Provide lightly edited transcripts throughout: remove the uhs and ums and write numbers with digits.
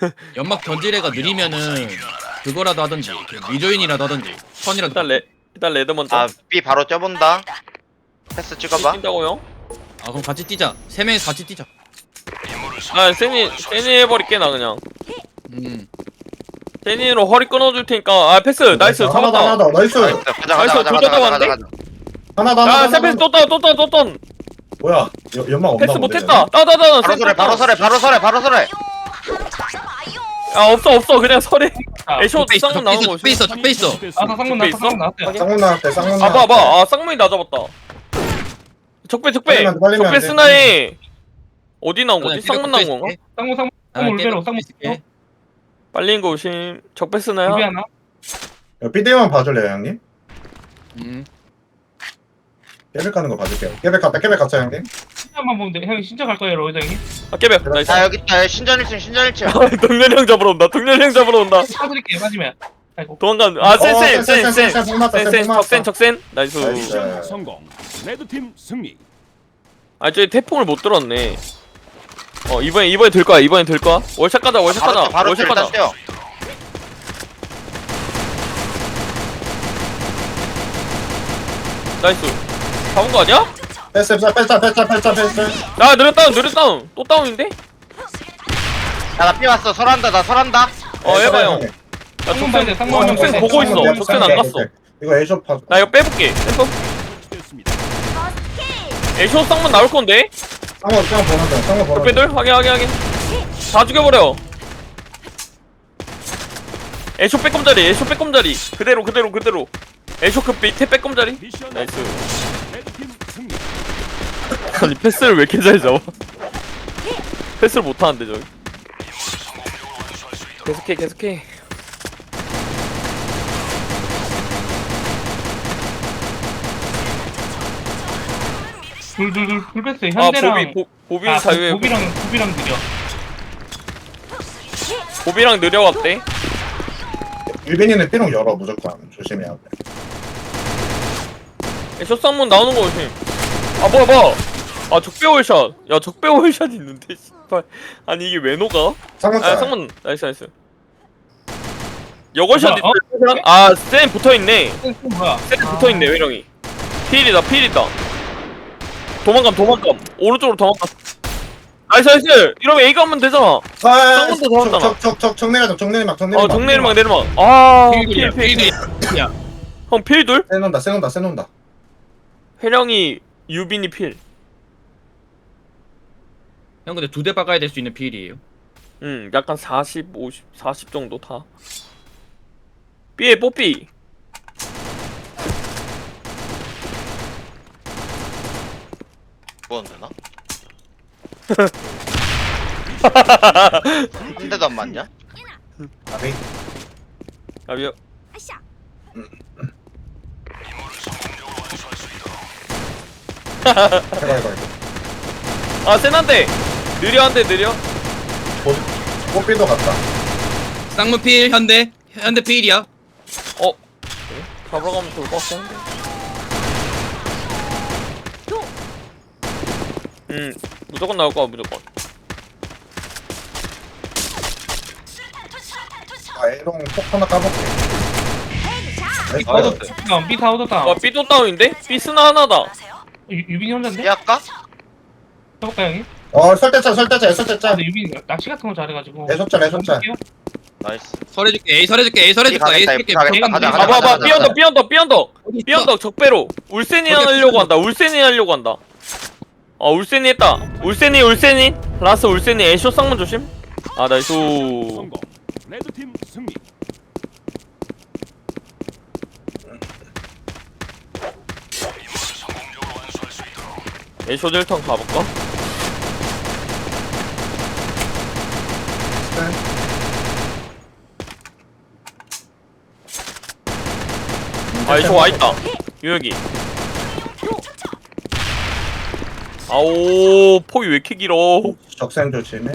연막 던지래가 느리면은 그거라도 하던지 리조인이라도 하던지 선이라도. 일단 레드 먼저. 아 B 바로 쪄본다. 패스 찍어봐. 뛴다고요? 아 그럼 같이 뛰자. 세 명이서 같이 뛰자. 아 세니 해버릴게 나 그냥. 음. 세니로 허리 끊어줄 테니까. 아 패스 나이스 하나 더, 하나 잡았다. 더. 나이스. 가자 나이스, 가자 가자 둘 가자 다 가자 잡았는데? 가자. 하나 더, 야 하나 더. 세패스 또 떤. 뭐야? 연막 없나 패스 본데, 못했다. 따다다. 바로 서래 바로 서래 바로 서래 바로 서래. 아 없어 그냥 설에. 애쇼 적배 있어. 쌍문 나오는 거. 적배 있어. 적배 있어. 아나 쌍문 적배 나왔어. 쌍문 얘네. 나왔대. 쌍문 나왔대, 쌍문 아 나왔대. 봐봐. 아 쌍문이 나 잡았다. 적배 빨리면 안 돼, 빨리면 안 적배 돼. 스나에 어디 나온 거지? 쌍문 나온 건가? 쌍문 아, 울베로 쌍문. 빨린 거 오심. 적배 스나야? 울베 하나. 야, 삐대만 봐줄래요, 형님? 음. 깨백 가는 거 봐줄게요. 깨백 갔다, 형님. 신자만 보면 돼. 형이 신자 갈 거예요, 로이더 형이. 아 깨벽 나이스. 자 여기 있다. 신전 1층 신전 1층. 동렬형 잡으러 온다. 동렬형 잡으러 온다. 사드릴게요, 맞으면. 아이고. 도망간. 아 센. 센. 적센. 나이스. 나이스. 성공. 레드팀 승리. 아 저기 태풍을 못 들었네. 이번에 들 거야. 월샷 가자. 바로 월샷 일단 가자. 뛰어. 나이스. 잡은 거 아니야? 패스. 야 느려 다운. 또 다운인데? 야나 B 왔어. 설한다 나 설한다. 해봐 형. 야 쌍문 봐야 돼, 적센. 쌍문 적센 봐야 돼. 보고 있어. 적센 안 갔어. 이거 에이쇼 파. 나 이거 빼볼게. 됐습니다. 애쇼 쌍문 나올 건데? 쌍문 보낸다. 쌍문 보낸다. 적배들 확인. 다 죽여버려. 애쇼 빼꼼자리. 그대로. 애쇼 그 밑에 빼꼼자리. 미션 나이스. 레드팀 승리. 아니 패스를 왜 이렇게 잘 잡아? 패스를 못하는데 저기. 계속해. 둘 뺐어요. 아 현대랑. 보비 자유에 보비랑 느려. 보비랑 느려왔대. 유빈이는 삐롱 열어 무조건 조심해야 돼. 애쇼 쌍문 나오는 거 조심. 아 뭐야. 아 적배 월샷. 야 적배 월샷 있는데 씨발. 아니 이게 왜 녹아? 쌍문 아 짤. 쌍문 나이스. 여걸샷 뭐야, 있대. 아센 붙어있네. 뭐야? 센 붙어있네 외령이. 필이다. 도망감. 오른쪽으로 도망감. 나이스. 이러면 A가 하면 되잖아. 쌍문도 잡았잖아. 정내리막. 정내리막. 아 필. 필. 형 필둘? 세논다. 회령이 유빈이 필. 형 근데 두 대 박아야 될 수 있는 필이에요. 약간 40, 50, 40 정도 다. B에 뽀삐. 뭐안 되나? 한 대도 안 맞냐? 아비. 아비요. 해봐. 아 센한데. 느려. 꽃비도 갔다. 쌍문 필 현대 필이야. 잡으러 가면 좋을 것 같긴 한데. 무조건 나올 거야 무조건. 에롱 폭 하나 까볼게. 다운, B 다운. B도 다운인데? B 스나 하나다. 유빈이 혼자인데? B 할까? 해볼까 형이? 설대짜. 근데 유빈이 낚시 같은 거 잘해가지고. 애쇼짤. 나이스. 설해줄게. A 설해줄게. B 가겠다, A B 가겠다. 가자, 가자, 봐봐 가자, 가자. 삐언덕 적배로. 울센이 하려고 한다. 울센이 했다. 울센이. 라스 울센이 애쇼 쌍문 조심. 아 나이스. 성공. 레드팀 승리. 애쇼 딜턴 가볼까? 아 애쇼 와있다. 유혁이. 아오 폭이 왜 이렇게 길어? 적센 조심해.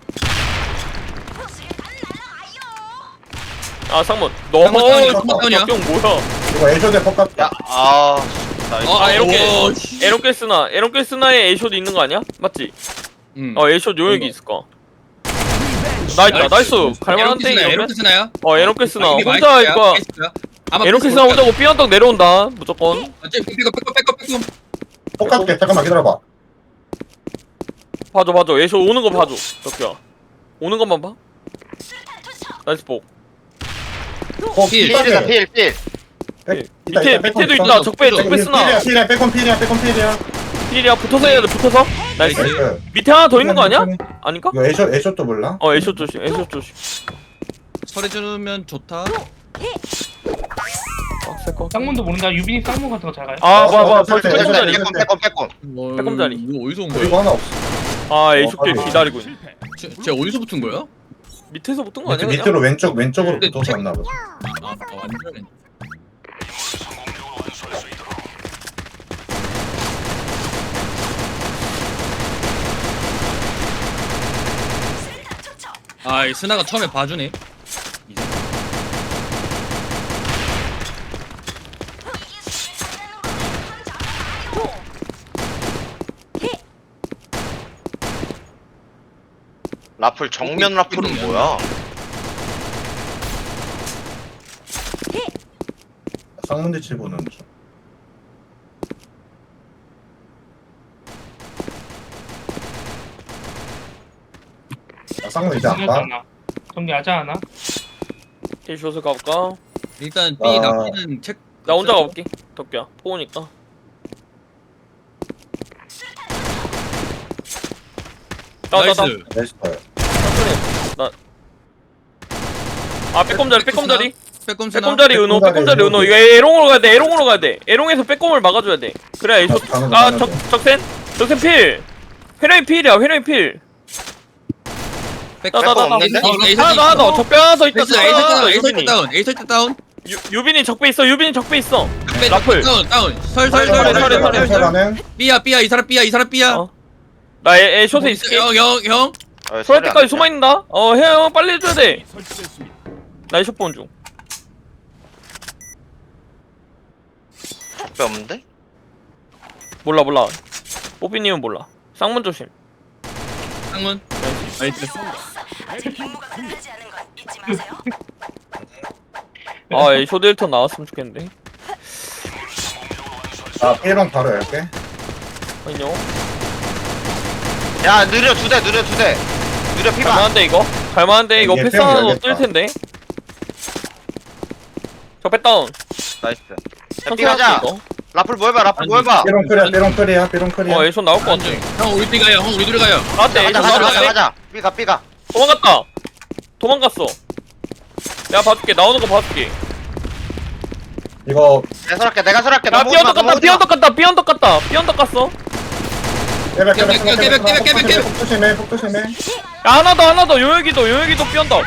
아 쌍문. 쌍문 다운이야, 너 쌍문 다운이야. 경 뭐야? 이거 애쇼대 폭 갔다. 야, 나이스. 아 오, 에런케스나에 애쇼도 있는 거 아니야? 맞지? 음. 애쇼 요역이 있을까? 나이스. 갈만한데 이러면? 에로키스나야? 에로케스나 아, 이게 혼자 마이크야? 이거 에이스야? 아마 에로케스나 혼자고 삐언덕 내려온다 무조건. 빼고 똑같게 잠깐만 기다려봐. 봐줘 예쇼 오는 거 봐줘 덕기야. 오는 것만 봐. 나이스 복. 필. 필이다 필. 밑에도 있다. 적배 쓰나. 필이야 빼꼼 필이야. 필이야 붙어서 해야 돼 붙어서. 나이스. 나이스. 밑에 하나 더 있는 거 아니야? 아닌가? 이거 애쇼도 몰라? 애쇼 조심. 설해주면 좋다. 세컨. 쌍문도 모른다. 유빈이 쌍문 같은 거 잘 가요. 봐봐. 설치, 빼꼼 자리. 빼꼼. 빼꼼자리. 이거 어디서 온 이거 거야? 하나 없어. 애쇼길 기다리고 있네. 실패. 쟤 어디서 붙은 거야? 밑에서 붙은 거 아니야? 그냥? 밑으로 왼쪽으로 근데 붙어서 왔나 보다. 완전. 이 스나가 처음에 봐주네. 이제. 라플 정면 라플은 뭐야? 쌍문대 치고는 좀. 쌍문 이제 안 봐. 정리하지 않아? 애쇼스 가볼까? 일단 아. B 납기는 책. 나 혼자 가볼게. 덕기야. 포우니까. 나이스. 나이스. 빼꼼자리. 빼꼼 스나. 빼꼼자리 은호. 이거 에롱으로 가야 돼. 에롱에서 빼꼼을 막아줘야 돼. 그래야 애쇼. 적센 필. 회령이 필. 빼꼼 없는데? 하나 더. 적배 하나 더 있다. 에이 설때 다운. 유빈이 적배 있어. 라플. 라플. 다운. 설. 설하는 B야 이 사람 B야. 나 애쇼에 있을게. 형. 소할 때까지 숨어 있는다. 형 빨리 해줘야 돼. 설치됐습니다. 나 애쇼 보는 중. 적배 없는데? 몰라. 뽀삐님은 몰라. 쌍문 조심. 상문. 나이스. 애쇼 델터 나왔으면 좋겠는데. B방 바로 열게. 안녕. 야 느려 두 대. 느려 피봐. 갈만한데 이거 얘 패스 빼면 하나 더 열겠다. 뜰 텐데. 적배 다운. 나이스. 야 천천히 피가자. 할게, 이거. 라플 뭐 해봐. 삐롱 클리야. 애쇼 나올 것 같아. 형 우리 B 가요. 형 우리 둘이 가요. 나한테 애쇼 나왔대. 가자. 삐가. 도망갔어. 내가 봐줄게. 나오는 거 봐줄게. 이거 내가 설할게. 야 삐언덕 갔다. 삐언덕 갔어. 깨백. 깨백. 폭 조심해. 야 하나 더 요여기도 삐언덕.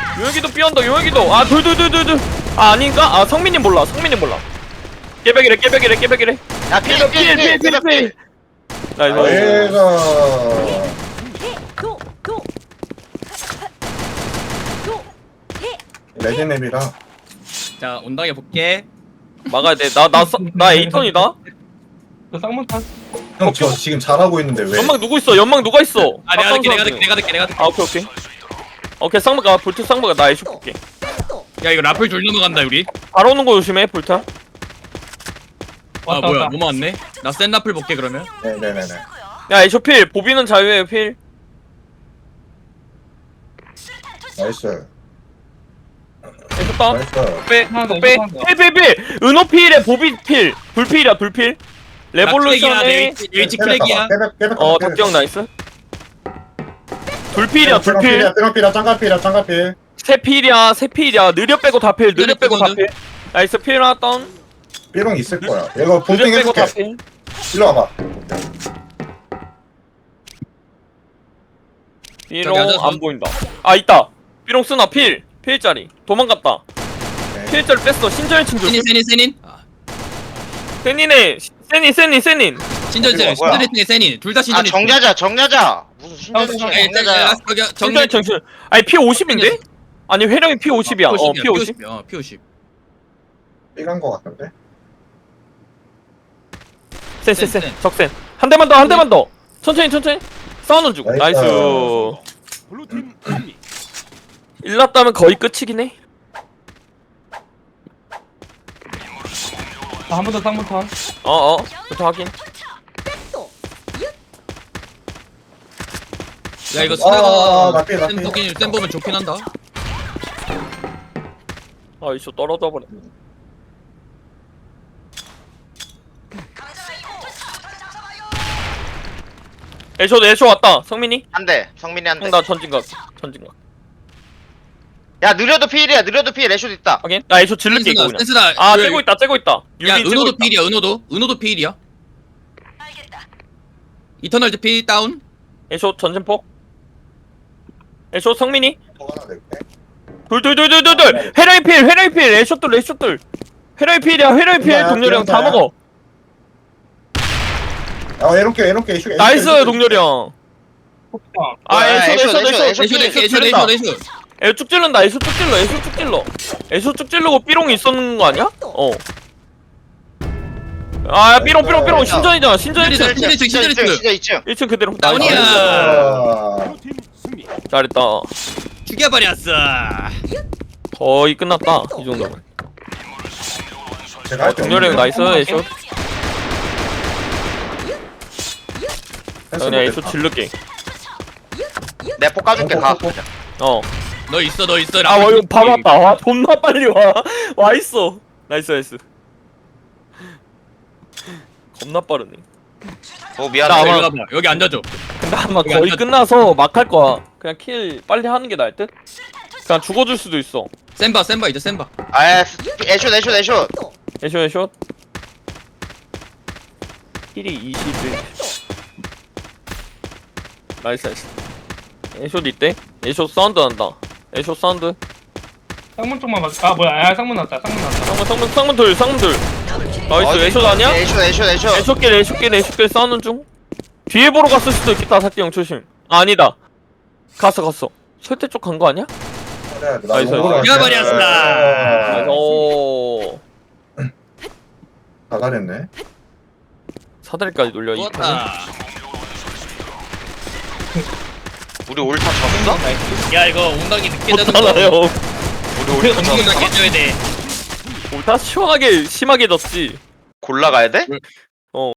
둘. 아닌가? 성민님 몰라. 깨백이래. 야 필. 나이스. 얘가 레드맵이라 자 온당해 볼게. 막아야 돼. 나 에이턴이다. 그 쌍문 타. 형 저 지금 잘하고 있는데 왜? 연막 누구 있어? 누가 있어? 내가 듣게. 오케이 쌍막아. 볼트 쌍막아. 나 에이쇼 볼게. 야 이거 라플 졸 넘어간다 우리. 바로 오는 거 조심해. 볼트. 왔다. 뭐야 넘어왔네. 나 센 라플 볼게 그러면. 네네네. 야 에이쇼 필. 보비는 자유예요 필. 나이스. 에이쇼 다운. 나이스. 하나 더, 빼. 하나 더. 필. 은호 필에 보비 필. 불필. 레볼루션에 웨이치 크랙이야. 깨백. 덕경 나이스. 불필이야. 삐롱필이야. 짱가필. 세 필이야. 느려 빼고 다 필. 나이스 필 하나 다운. 삐롱 있을 거야. 이거 느려 본팅 빼고 다 해줄게. 필. 일로 와봐. 삐롱 저기 앉아서. 안 보인다. 있다. 삐롱 쓰나 필짜리. 도망갔다. 네. 필짜리 뺐어. 신전의 친구. 세닌. 세닌의 세닌. 신전이 뭐야? 신전이 세닌. 둘 다 신전이. 정자자. 무슨 신전이야. 정자야. 신전의 정신. 아니 피 50인데? 아니 회령이 피 50이야. 피 50. P50. 삐간 거 같은데? 센. 센. 적센. 한 대만 더. 천천히. 싸우는 중. 나이스. 블루팀 승리. 일났다면 거의 끝이긴 해. 한 번 더 쌍문탄. 부터 확인. 야 이거 아, 스나가 나 삐. 센 보면 좋긴 한다. 아 이쇼 떨어져 버려. 애쇼 왔다. 성민이? 한대 성민이 한대. 나 전진각. 야 느려도 필이야. 느려도 필. 애쇼 있다. 확인. 나 애쇼 질를게 이거 그냥. 센스나. 아 째고 있다. 야 유빈 째고 은호도 있다. 필이야. 은호도 필이야. 이터널즈 필 다운. 애쇼 전진폭. 애쇼 성민이. 하나 낼게. 둘. 회라이 필. 애쇼들. 회라이 필이야. 회라이 필. 이거야, 동렬이 형 다 이거야. 먹어. 에롱게 이슈. 나이스 동렬이 형. 폭탄. 아 애쇼. 애쇼. 애쇼 쭉 찔른다. 애쇼 쭉 찔르고 삐롱이 있었는 거 아니야? 아 삐롱 신전이잖아. 신전이잖아. 진짜 2층. 1층 그대로. 다운이야. 레드팀 승리. 잘했다. 죽여버렸어. 거의 끝났다. 이 정도면. 제가 할게 동렬이 형 나이스. 애쇼. 그냥 애쇼 질를게. 내 폭 까줄게. 가. 너 있어. 아, 와, 이거 밥 왔다. 와, 존나 빨리 와. 와 있어. 나이스. 겁나 빠르네. 오 나 미안해. 아마- 여기 와봐. 여기 앉아줘. 근데 아마 여기 거의 앉아- 끝나서 막 할 거야. 그냥 킬 빨리 하는 게 나을 듯? 그냥 죽어줄 수도 있어. 센바 이제 센바. 아 애쇼. 애쇼. 킬이 21. 나이스. 애쇼 있대? 애쇼 사운드 난다. 애쇼 사운드. 쌍문 쪽만 맞. 아 뭐야? 아 쌍문 났다. 쌍문 둘. 나이스. 애쇼 아니야? 애쇼. 애쇼길 싸우는 중. 뒤에 보러 갔을 수도 있겠다. 사띠 형 조심. 아, 아니다. 갔어. 설대 쪽 간 거 아니야? 나이스. 죽여버렸어. 나이스. 오. 다 잘했네. 사다리까지 놀려. 이 좋았다. 우리 올타 졌어? 야 이거 웅덩이 늦게 자는 거. 못하나요? 우리 올타 웅덩이 졌어? 늦게 져야 돼. 다 시원하게 심하게 졌지. 골라가야 돼?